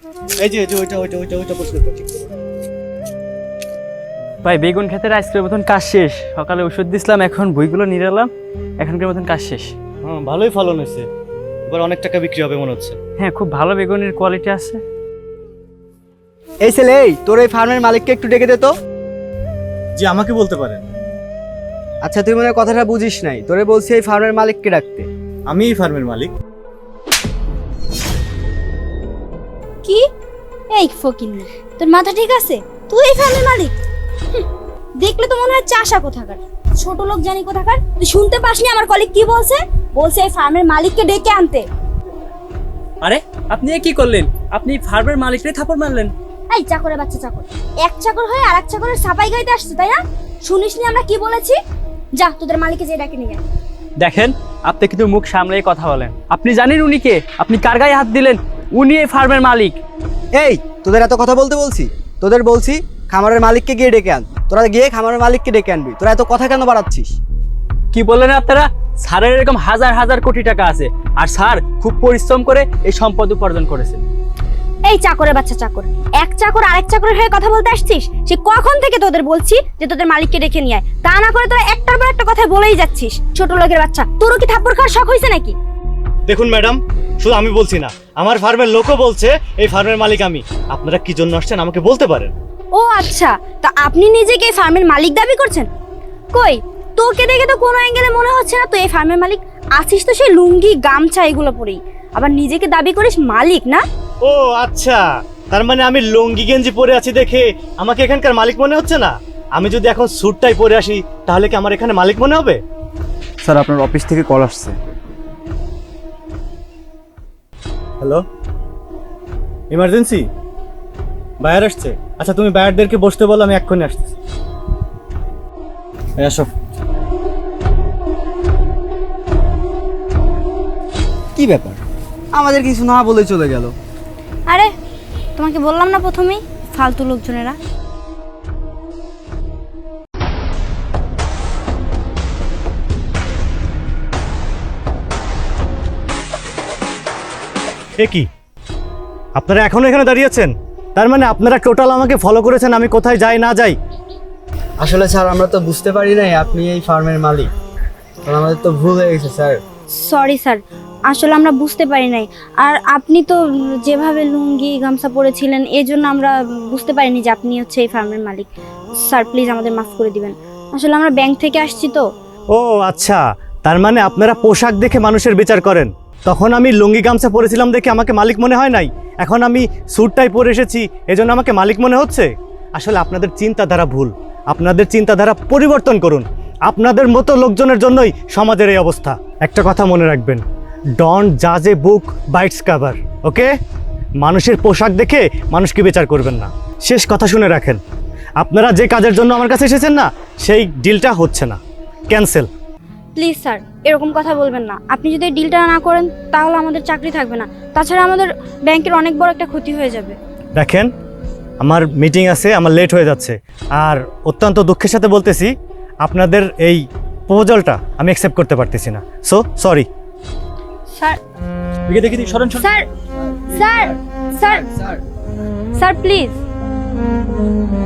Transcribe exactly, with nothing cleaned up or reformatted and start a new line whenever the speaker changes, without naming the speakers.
এই যে এই যে ওইটা ওইটা ওইটা ওইটা পরিষ্কার কর, ঠিক করে।
ভাই বেগুন ক্ষেতের আজকের মতন কাজ শেষ। সকালে ওষুধ দিছিলাম, এখন বইগুলো নিয়ে এলাম, এখনকার মতন কাজ শেষ।
হ্যাঁ ভালোই ফলন হয়েছে, এবার অনেক টাকা বিক্রি হবে মনে হচ্ছে।
হ্যাঁ, খুব ভালো বেগুনের কোয়ালিটি আছে।
এই ছেলে, এই তোর এই ফার্মের মালিককে একটু ডেকে দে তো।
জি আমাকে বলতে পারেন।
আচ্ছা, তুই মনে হয় কথাটা বুঝিস নাই, তোরে বলছি এই ফার্মের মালিককে ডাকতে।
আমি এই ফার্মের মালিক।
কি? এই ফকিন্নি, তোর মাথা ঠিক আছে? তুই এই ফার্মের মালিক? হুঁ, দেখলে তো মনে হয় চাষা কোথাকার, ছোট লোক জানি কোথাকার। তুই শুনতে পাসনি আমার কলিগ কি বলছে? বলছে এই ফার্মের মালিককে ডেকে আনতে।
আরে আপনি কি করলেন? আপনি ফার্মের মালিককে থাপড় মারলেন।
এই চাকরের বাচ্চা চাকর, এক চাকর হয়ে আর এক চাকরের সাপাই গাইতে আসছে, তাই না? শুনিসনি আমরা কি বলেছি? যা তোদের মালিককে যে ডাকে নিয়ে আয়।
দেখেন, আপনি কিন্তু মুখ সামলেই কথা বলেন। আপনি জানেন উনি কে? আপনি কার গায়ে হাত দিলেন? উনি এই ফার্মের মালিক।
এই তোদের এত কথা বলতে বলছি? তোদের বলছি খামারের মালিককে গিয়ে ডেকে আন। তোরা গিয়ে খামারের মালিককে ডেকে আনবি। তোরা এত কথা কেন বাড়াচ্ছিস?
কি বললেন আপনারা? স্যারের এরকম হাজার হাজার কোটি টাকা আছে, আর স্যার খুব পরিশ্রম করে এই সম্পদ উপার্জন করেছে।
এই চাকরের বাচ্চা চাকর, এক চাকর আরেক চাকরের হয়ে কথা বলতে আসছিস? সে কখন থেকে তোদের বলছি যে তোদের মালিককে ডেকে নিয়ে আয়, তা না করে তোরা একটার পর একটা কথা বলেই যাচ্ছিস। ছোট লোকের বাচ্চা, তোরও কি থাপ্পড় খাওয়ার শখ হয়েছে নাকি?
দেখুন ম্যাডাম, শুধু আমি বলছি না, আমার ফার্মের লোকও বলছে এই ফার্মের মালিক আমি। আপনারা কি জন্য আসছেন আমাকে বলতে পারেন।
ও আচ্ছা, তা আপনি নিজেকে এই ফার্মের মালিক দাবি করছেন? কই, তোকে দেখে তো কোনো অ্যাঙ্গেলে মনে হচ্ছে না তুই এই ফার্মের মালিক। আছিস তো সেই লুঙ্গি গামছা এগুলো পরেই, আবার নিজেকে দাবি করিস মালিক না?
ও আচ্ছা, তার মানে আমি লুঙ্গি গেঞ্জি পরে আছি দেখে আমাকে এখানকার মালিক মনে হচ্ছে না? আমি যদি এখন স্যুটটাই পরে আসি তাহলে কি আমার এখানে মালিক মনে হবে?
স্যার, আপনার অফিস থেকে কল আসছে।
Hello, emergency? বায়ার আসছে? আচ্ছা তুমি বায়ারদেরকে বসতে বলো, আমি এক্ষুনি আসতেছি। এই আসো।
কি ব্যাপার, আমাদের কিছু না বলে চলে গেল?
আরে তোমাকে বললাম না প্রথমেই, ফালতু লোকজনেরা।
এ কি, আপনারা এখনো এখানে দাঁড়িয়ে আছেন? তার মানে আপনারা টোটাল আমাকে ফলো করেছেন আমি কোথায় যাই না যাই।
আসলে স্যার, আমরা তো বুঝতে পারি নাই আপনি এই ফার্মের মালিক। আমাদের তো ভুল হয়ে গেছে স্যার।
সরি স্যার, আসলে আমরা বুঝতে পারি নাই। আর আপনি তো যেভাবে লুঙ্গি গামছা পরেছিলেন, এই জন্য আমরা বুঝতে পারিনি যে আপনি হচ্ছে এই ফার্মের মালিক। স্যার প্লিজ আমাদের মাফ করে দিবেন, আসলে আমরা ব্যাংক থেকে আসছি তো।
ও আচ্ছা, তার মানে আপনারা পোশাক দেখে মানুষের বিচার করেন। তখন আমি লুঙ্গি গামছা পরেছিলাম দেখে আমাকে মালিক মনে হয় নাই, এখন আমি স্যুটটাই পরে এসেছি এজন্য আমাকে মালিক মনে হচ্ছে। আসলে আপনাদের চিন্তাধারা ভুল, আপনাদের চিন্তাধারা পরিবর্তন করুন। আপনাদের মতো লোকজনের জন্যই সমাজের এই অবস্থা। একটা কথা মনে রাখবেন, ডোন্ট জাজ a book by its cover, okay? মানুষের পোশাক দেখে মানুষকে বিচার করবেন না। শেষ কথা শুনে রাখেন, আপনারা যে কাজের জন্য আমার কাছে এসেছেন না, সেই ডিলটা হচ্ছে না, ক্যান্সেল।
প্লিজ স্যার এরকম কথা বলবেন না। আপনি যদি ডিলটা না করেন তাহলে আমাদের চাকরি থাকবে না, তাছাড়া আমাদের ব্যাংকের অনেক বড় একটা ক্ষতি হয়ে যাবে।
দেখেন, আমার মিটিং আছে, আমার লেট হয়ে যাচ্ছে, আর অত্যন্ত দুঃখের সাথে বলতেছি আপনাদের এই প্রপোজালটা আমি অ্যাকসেপ্ট করতে পারতেছি না। So sorry.
স্যার
দেখি দেখি দেখি, সরেন সরেন।
Sir sir sir sir please.